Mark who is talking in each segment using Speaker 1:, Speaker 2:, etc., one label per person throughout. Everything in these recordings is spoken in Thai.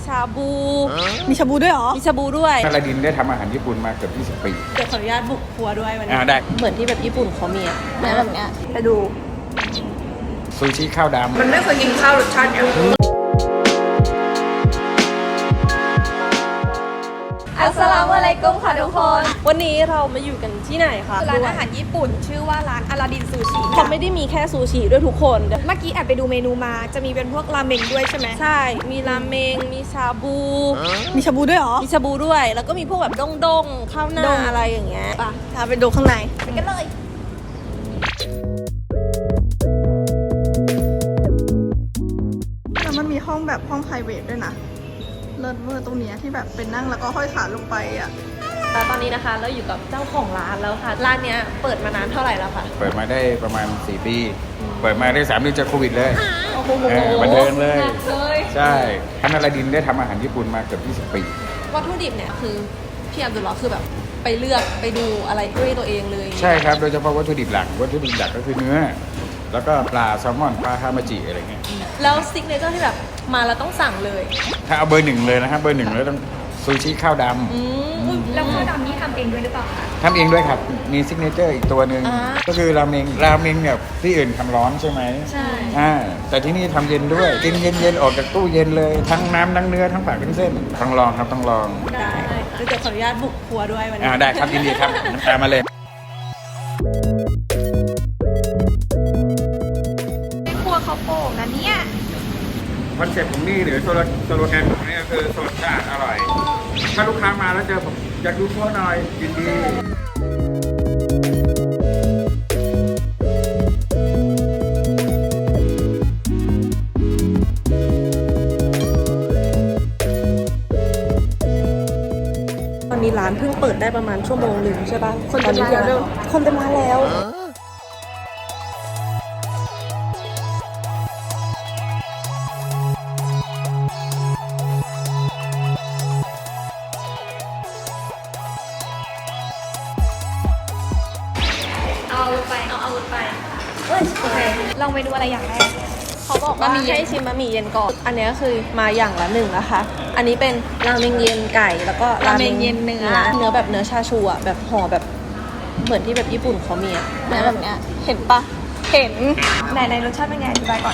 Speaker 1: ชาบู
Speaker 2: มีชาบูด้วยเหรอ
Speaker 1: มีชาบูด้วย
Speaker 3: อลาดินได้ทำอาหารญี่ปุ่นมาเกือบ20 ปี
Speaker 1: เดี๋ยวขออนุญาตบุกครัวด้วยวันนี้
Speaker 3: ได้
Speaker 1: เหมือนที่แบบญี่ปุ่นเขามีอะ
Speaker 2: แบบเนี้ยไปดู
Speaker 3: ซูชิข้าวดำ
Speaker 2: มันไม่เคยกินข้าวรสชาติเนี้ยอัสสลามุอะลัยกุมค่ะทุกคน
Speaker 1: วันนี้เรามาอยู่กันที่ไหนคะ
Speaker 2: ร้านอาหารญี่ปุ่นชื่อว่าร้านอลาดินซูชิ
Speaker 1: เขาไม่ได้มีแค่ซูชิด้วยทุกคน
Speaker 2: เมื่อกี้แอบไปดูเมนูมาจะมีเป็นพวกราเมงด้วยใช่ไหม
Speaker 1: ใช่ มีราเมง มีชาบู
Speaker 2: มีชาบูด้วยเหรอ
Speaker 1: มีชาบูด้วย แล้วก็มีพวกแบบด้งๆข้าวหน้า
Speaker 2: ด้ง
Speaker 1: อะไรอย่างเงี้ย
Speaker 2: ป่ะพาไปดูข้างในไปกันเลยแล้วมันมีห้องแบบห้อง private ด้วยนะเลิศเวอร์ตรงเนี้ยที่แบบเป็นนั่งแล้วก็ห้อยขาลงไปอ่ะ
Speaker 1: แล้วตอนนี้นะคะเราอยู่กับเจ้าของร้านแล้วค่ะ ร้านเนี้ยเปิดมานานเท่าไหร่แล้วคะ
Speaker 3: เปิดมาได้ประมาณ4 ปี เปิดมาได้3 เดือนจากโควิดเลย
Speaker 1: โอ้โห
Speaker 3: บันเทิงเลย
Speaker 1: หนักเลย
Speaker 3: ใช่ท่านอลาดินได้ทำอาหารญี่ปุ่นมาเกือบ20 ปี
Speaker 1: วัตถุดิบเนี่ยคือพี่อับดุลลอฮ์คือแบบไปเลือกไปดูอะไรด้วยตัวเองเลย
Speaker 3: ใช่ครับ โดยเฉพาะวัตถุดิบหลักก็คือเนื้อ แล้วก็ปลาแซลมอนปลาฮามาจิอะไรเงี้ย
Speaker 1: แล้วซิกเนเจอร์ที่แบบมาแล้วต้องสั่งเลย
Speaker 3: ถ้าเอาเบอร์ 1เลยนะครับเบอร์ 1เลยต้องซูชิข้าวดำ
Speaker 2: แล้วข้าวดำนี่ทำเองด้วยหรือเปล่าคะ
Speaker 3: ทำเองด้วยครับ มีซิกเนเจอร์อีกตัวหนึ่ง
Speaker 1: อ่า
Speaker 3: ก็คือราเมงเนี่ยที่อื่นทำร้อนใช่ไหม
Speaker 1: ใช่
Speaker 3: แต่ที่นี่ทำเย็นด้วย กินเย็นๆออกจากตู้เย็นเลย ทั้งน้ำทั้งเนื้อทั้งผักทั้งเส้นต้องลองครับต้องลอง
Speaker 1: ได้เดี๋ยวขออนุญาตบุกครัวด้วยวันนี้
Speaker 3: ได้ครับยินดีครับตามมาเลย
Speaker 2: ครัวเขาโป่งนะเนี่ย
Speaker 3: คอนเซ็ปต์ของนี่หรือโซโลแกนของนี่ก็คือสดชาติอร่อย ถ้าลูกค้ามาแล้วเจอผมอยากดูครัวหน่อยยินดี
Speaker 1: ตอนนี้ร้านเพิ่งเปิดได้ประมาณชั่วโมงหนึ่งใช่ปะ
Speaker 2: คนเต็มร้านแล้ว
Speaker 1: คนเต็มร้านแล้ว
Speaker 2: เอาไปโอเคลองไปดูอะไรอย่างแรก
Speaker 1: เขาบอกว่าให้ชิมบะหมี่เย็นก่อน อันนี้ก็คือมาอย่างละ1นะคะ อันนี้เป็นราเมงเย็นไก่แล้วก็
Speaker 2: ราเมงเย็นเนื้อ
Speaker 1: เนื้อแบบเนื้อชาชูอ่ะแบบห่อแบบเหมือนที่แบบญี่ปุ่นเขามีอ่ะ
Speaker 2: แบบเนี้ยเห็นปะเห็นในรสชาติเป็นไงอธิบายก่อน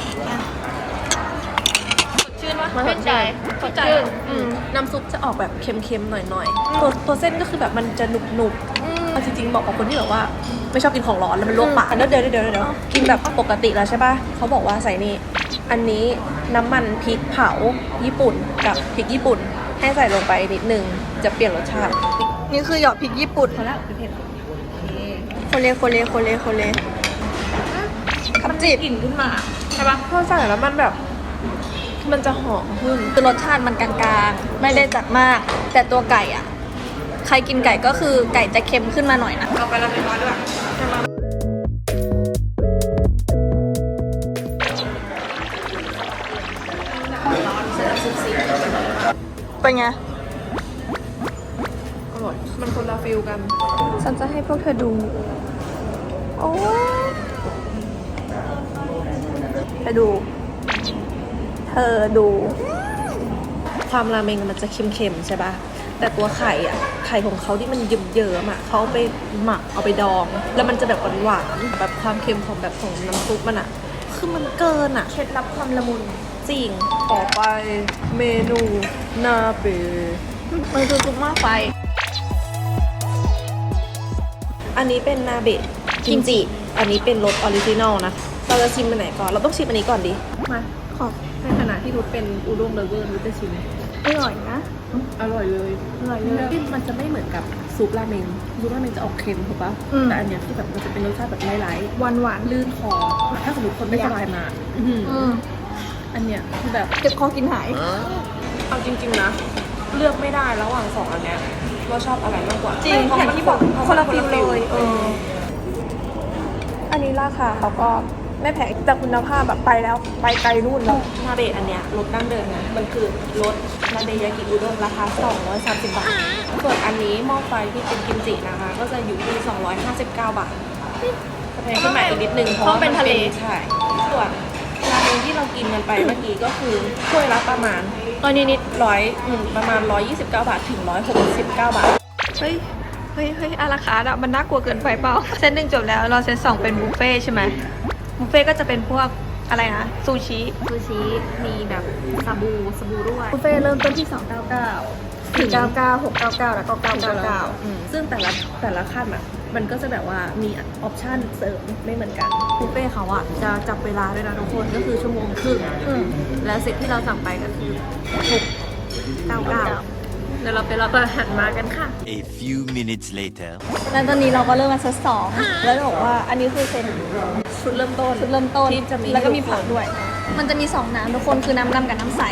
Speaker 2: ชื่นวะ
Speaker 1: มันสดชื่น
Speaker 2: สดชื่น
Speaker 1: น้ำซุปจะออกแบบเค็มๆหน่อยๆตัวเส้นก็คือแบบมันจะหนุบๆเอาจริงๆบอกกับคนที่แบบว่าไม่ชอบกินของร้อนแล้วมันลวกปากเดี๋ยวกินแบบปกติแล้วใช่ป่ะเขาบอกว่าใส่นี่อันนี้น้ำมันพริกเผาญี่ปุ่นกับพริกญี่ปุ่นให้ใส่ลงไปนิดนึงจะเปลี่ยนรสชาติ
Speaker 2: นี่คือหยอดพริกญี่ปุ่น
Speaker 1: พอแล้วเผ็ด
Speaker 2: โคเลขับจีบ
Speaker 1: กลิ่นขึ้นมาใช่ป่ะพอใส่แล้วมันแบบมันจะหอมขึ้น
Speaker 2: คือรสชาติมันกลางๆ ไม่ได้จัดมาก แต่ตัวไก่อ่ะ ใครกินไก่ก็คือไก่จะเค็มขึ้นมาหน่อยนะ
Speaker 1: เอาไปละน้อยด้วย
Speaker 2: เป็นไง
Speaker 1: อร่อยมันคนละฟิลกัน
Speaker 2: ฉันจะให้พวกเธอดู โอ้ไปดู เธอดู
Speaker 1: ความราเมงมันจะเค็มๆใช่ป่ะแต่ตัวไข่อ่ะไข่ของเขาที่มันเยิ้มๆอ่ะเขาเอาไปหมักเอาไปดอง แล้วมันจะแบบหวานๆแบบความเค็มของแบบของน้ำซุปมันอ่ะคือมันเกินอ่ะ
Speaker 2: เคล็ดลับความละมุน
Speaker 1: จริงต่อไปเมนูนาเบะ
Speaker 2: มันคือซุปหม้อไฟ
Speaker 1: อันนี้เป็นนาเบะกิมจิอันนี้เป็นรสออริจินอลนะเราจะชิมอันไหนก่อนเราต้องชิมอันนี้ก่อนดิมาขอในขณะที่รุดเป็นอุด้งเลเวอร์รุดจะชิม
Speaker 2: อร่อยนะ
Speaker 1: อร่อยเลยมันจะไม่เหมือนกับซุปราเมงจะออกเค็มถูกปะ
Speaker 2: อืม
Speaker 1: แต่อันเนี้ยคือแบบมันจะเป็นรสชาติแบบไร้
Speaker 2: หวานหวาน
Speaker 1: ๆลื่นคอถ้าสมมติคนไม่สบายมาอันเนี้ยคือแบบ
Speaker 2: เจ็บคอกินหาย
Speaker 1: เอาจริงๆนะเลือกไม่ได้ระหว่าง2อันเนี้ยว่าชอบอะไรมากกว่า
Speaker 2: จริง
Speaker 1: เพราะ
Speaker 2: อย่างที่บอกคนละฟิลเลยอันนี้ราคาเขาก็ไม่แพงแต่คุณภาพแบบไปแล้วไปไกลนู่นแล้ว
Speaker 1: นาเบะอันเนี้ยรสดั้งเดิมนะมันคือรสนาเบะยากิอุด้งราคา230 บาทส่วนอันนี้หม้อไฟที่เป็นกิมจินะคะก็จะอยู่ที่259 บาทจะแพงขึ้นมาอีกนิดนึงเพราะว่าใช่ส่วนราเมงที่เรากินกันไปเมื่อกี้ก็คือถ้วยละประมาณก็นิดประมาณ129 บาทถึง169 บาท
Speaker 2: เฮ้ยอาราคาร์ทอะมันน่ากลัวเกินไปเปล่า เซตหนึ่งจบแล้วเราเซตสองเป็นบุฟเฟ่ต์ใช่ไหมบุฟเฟ่ต์ก็จะเป็นพวกอะไรนะซูชิ
Speaker 1: มีแบบสบู่ด้วย
Speaker 2: บุฟเฟ่ต์เริ่มต้นที่ 299 499 699 แล้วก็ 999
Speaker 1: ซึ่งแต่ละขั้นอ่ะ มันก็จะแบบว่ามีออปชั่นเสริมไม่เหมือนกันบุฟเฟ่ต์เขาอ่ะจะจับเวลาด้วยนะทุกคนก็คือชั่วโมงครึ่งและเซตที่เราสั่งไปก็คือ699เดี๋ยวเราไปรับอาหารมากันค่ะ
Speaker 4: A few minutes later.
Speaker 2: แล้วตอนนี้เราก็เริ่มมาเซตสองแล้วจะบอกว่าอันนี้คือเป็น
Speaker 1: ชุดเริ่มต้น ที่จะมี
Speaker 2: แล้วก็มีผักด้วย มันจะมี2น้ำทุกคนคือน้ำดำกับน้ำใส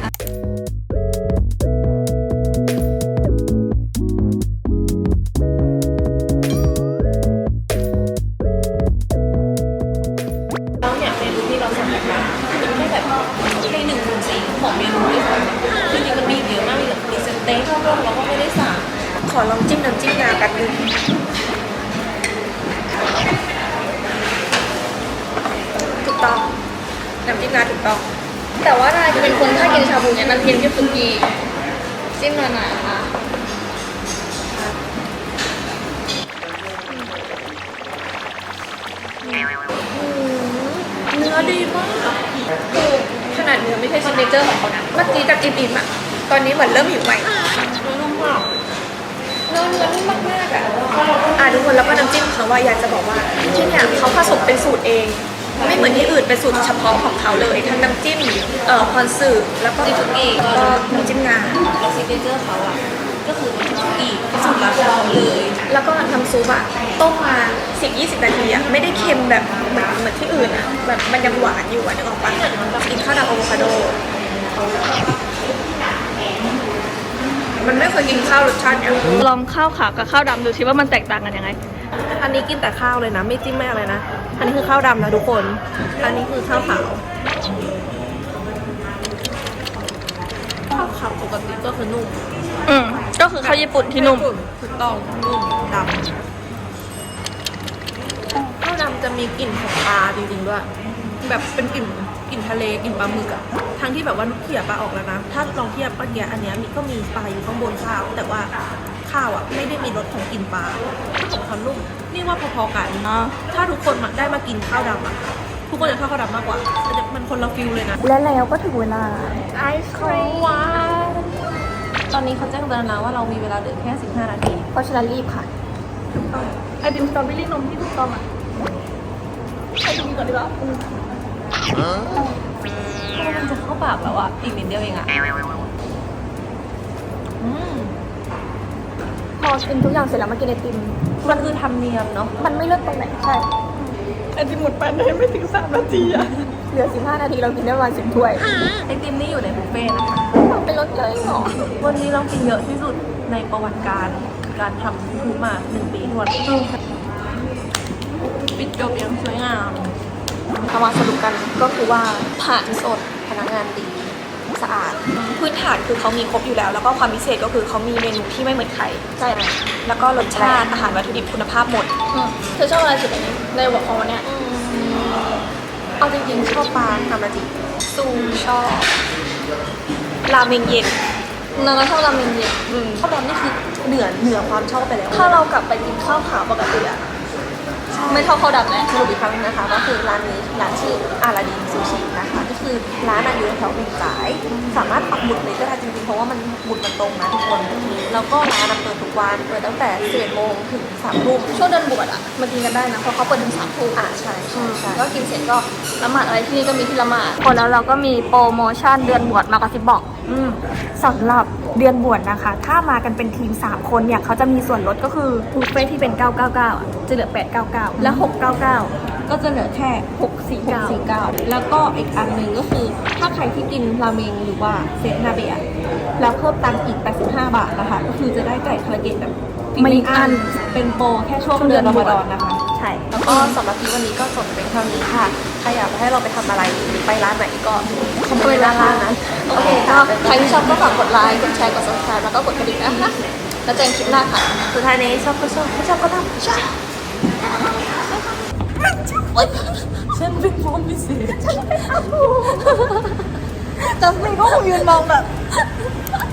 Speaker 1: แล้วเนี่ยเมนูที่เราสั่งกันมามันไม่แบบให้1/4ของเมนูที่สั่งคือจริงๆมันมีเยอะมากมีแบบมีสเต็กเราก็ไม่ได้สั่งขอลองจิ้มน้ำจิ้มงากันนึงถูกต้องน้ำจิ้มงาถูกต้อง
Speaker 2: แต่ว่านายจะเป็นคนถ้ากินชาบูเนี่ยมันเพี้ยนที่สุกี้จิ้มหนาๆค่ะ
Speaker 1: เนื้อดีมากคือขนาดเนื้อไม่ใช่ซิกเนเจอร์ของเขานะเมื่อกี้จะอิ่มๆอ่ะตอนนี้เหมือนเริ่มหิวใหม่นุ่มมากเนื้อนุ่มมากๆอ่ะทุกคนแล้วก็น้ำจิ้มเขาว่าอยากจะบอกว่าที่เนี่ยเขาผสมเป็นสูตรเอง ไม่เหมือนที่อื่นเป็นสูตรเฉพาะของเขาเลยทั้งน้ำจิ้มคอนสึแล้วก็ซุกี้แล้วก็น้ำจิ้มงาแล้วซิกเนเจอร์เขาอ่ะก็คือน้ำจิ้มซุกี้สูตรลับของเขาเลย แล้วก็น้ำซุปอะต้มมา 10-20 นาทีอะไม่ได้เค็มแบบเหมือนที่อื่นอะแบบมันยังหวานอยู่อะนึกออกปะกินข้าวดำอะโวคาโด มันไม่เคยกินข้าวรสชาติเนี้ย
Speaker 2: ลองข้าวขาวกับข้าวดำดูสิว่ามันแตกต่างกันยังไง
Speaker 1: อันนี้กินแต่ข้าวเลยนะไม่จิ้มไม่อะไรนะอันนี้คือข้าวดำนะทุกคนอันนี้คือข้าวขาวปกติก็คือนุ่ม
Speaker 2: ก็คือข้าวญี่ปุ่นที่นุ่ม
Speaker 1: ถูกต้องนุ่มดำข้าวดำจะมีกลิ่นของปลาจริงๆด้วยแบบเป็นกลิ่นทะเลกลิ่นปลาหมึกอะทั้งที่แบบว่าเขี่ยปลาออกแล้วนะถ้าลองเทียบเมื่อกี้อันเนี้ยก็มีปลาอยู่ข้างบนข้าว แต่ว่าข้าวอะไม่ได้มีรสของกลิ่นปลาของเขานุ่มนี่ว่าพอๆกันถ้าทุกคนได้มากินข้าวดำอะทุกคนจะชอบข้าวดำมากกว่ามันคนละฟิลเลยนะ
Speaker 2: และแล้วก็ถึงเวลา
Speaker 1: ไอศครีมหวานตอนนี้เขาแจ้งเตือนแล้วว่าเรามีเวลาเหลือแค่15 นาที
Speaker 2: เพราะฉะนั้นรีบค่ะไอติมสตรอเบอรี่นมที่ถูกต้องอ่ะไปดูก่อนดีกว่า
Speaker 1: มันจะเข้าปากแล้วอะอีกนิดเดียวเองอะ
Speaker 2: พอกินทุกอย่างเสร็จแล้วมากินไอติม
Speaker 1: มันคือธรรมเนียมเนาะ
Speaker 2: มันไม่เลิศตรงไหนใช่
Speaker 1: ไอติมหมดไปได้ไม่ถึง3 นาทีอะ
Speaker 2: เหลือ15 นาทีเรากินได้ประมาณ10 ถ้วย
Speaker 1: ไอติมนี่อยู่ในบุฟเฟ่ต์นะคะ
Speaker 2: เป็นรสเลยหรอ
Speaker 1: วันนี้เรากินเยอะที่สุดในประวัติการทำทูมา1 ปีทวนปิดจบอย่างสวยงามเอามาสรุปกันก็คือว่าผ่านสดพนักงานดีสะอาดพื้นฐานคือเขามีครบอยู่แล้ว แล้วก็ความพิเศษก็คือเขามีเมนูที่ไม่เหมือนใคร
Speaker 2: ใช่
Speaker 1: แล้วก็รสชาติอาหารวัตถุดิบคุณภาพหมด
Speaker 2: เธอชอบอะไรสุดในหัวข้อเนี้ย
Speaker 1: เอาจริงๆชอบปลาทามาจิซูชอบราเมงเย็น
Speaker 2: นางก็ชอบราเมงเย็น
Speaker 1: ข้าวดำนี่คือเหนือความชอบไปแล้ว
Speaker 2: ถ้าเรากลับไปกินข้าวขาวปกติอะไม่เท่าข้าวดำแล้ว
Speaker 1: สรุปอีกครั้งนึงนะคะก็คือร้านนี้ร้านชื่ออาราดินซูชินะคะก็คือร้านอยู่แถวเมงจ่ายสามารถปักหมุดเลยก็ได้จริงๆเพราะว่ามันหมุดมันตรงนะทุกคนแล้วก็ร้านเปิดทุกวันเปิดตั้งแต่11 โมงถึง3 ทุ่ม
Speaker 2: ช่วงเดินบวชอะมากินกันได้นะเพราะเขาเปิดถึง3 ทุ่ม
Speaker 1: ใช่
Speaker 2: ก็กินเสร็จก็ละหมาดอะไรที่นี่ก็มีที่ละหมาดพอแล้วเราก็มีโปรโมชั่นเดือนบวชมากระซิบบอก
Speaker 5: สำหรับเดือนบวชนะคะ ถ้ามากันเป็นทีม 3 คนเนี่ยเขาจะมีส่วนลดก็คือบุฟเฟ่ที่เป็น 999อ่ะจะเหลือ 899 และ 699
Speaker 1: ก็จะเหลือแค่649แล้วก็อีกอันหนึ่งก็คือถ้าใครที่กินราเมงหรือว่าเซตนาเบะแล้วเพิ่มตังค์อีก85 บาทนะคะก็คือจะได้ไก่คาราเกะแบบไม่อันเป็นโปรแค่ช่วงเดือนรอมฎอนนะคะใช่แล้วก็สำหรับที่วันนี้ก็จบเป็นเท่านี้ค่ะใครอยากให้เราไปทำอะไรหรือไปร้านไหนก็คอมเมนต์ด้านล่างนะ
Speaker 2: โอเคก็ใครที่ชอบก็ฝากกดไลค์กดแชร์กด subscribe แล้วก็กดกระดิ่งนะคะแล้วเจอกันคลิปหน้าค่ะ
Speaker 1: สุดท้ายนี้ชอบก็ชอบไม่ชอบก็ทำใช่ฉันเป็นพร้อมพิเศษ
Speaker 5: จัสมินก็คงยืนมองแบบ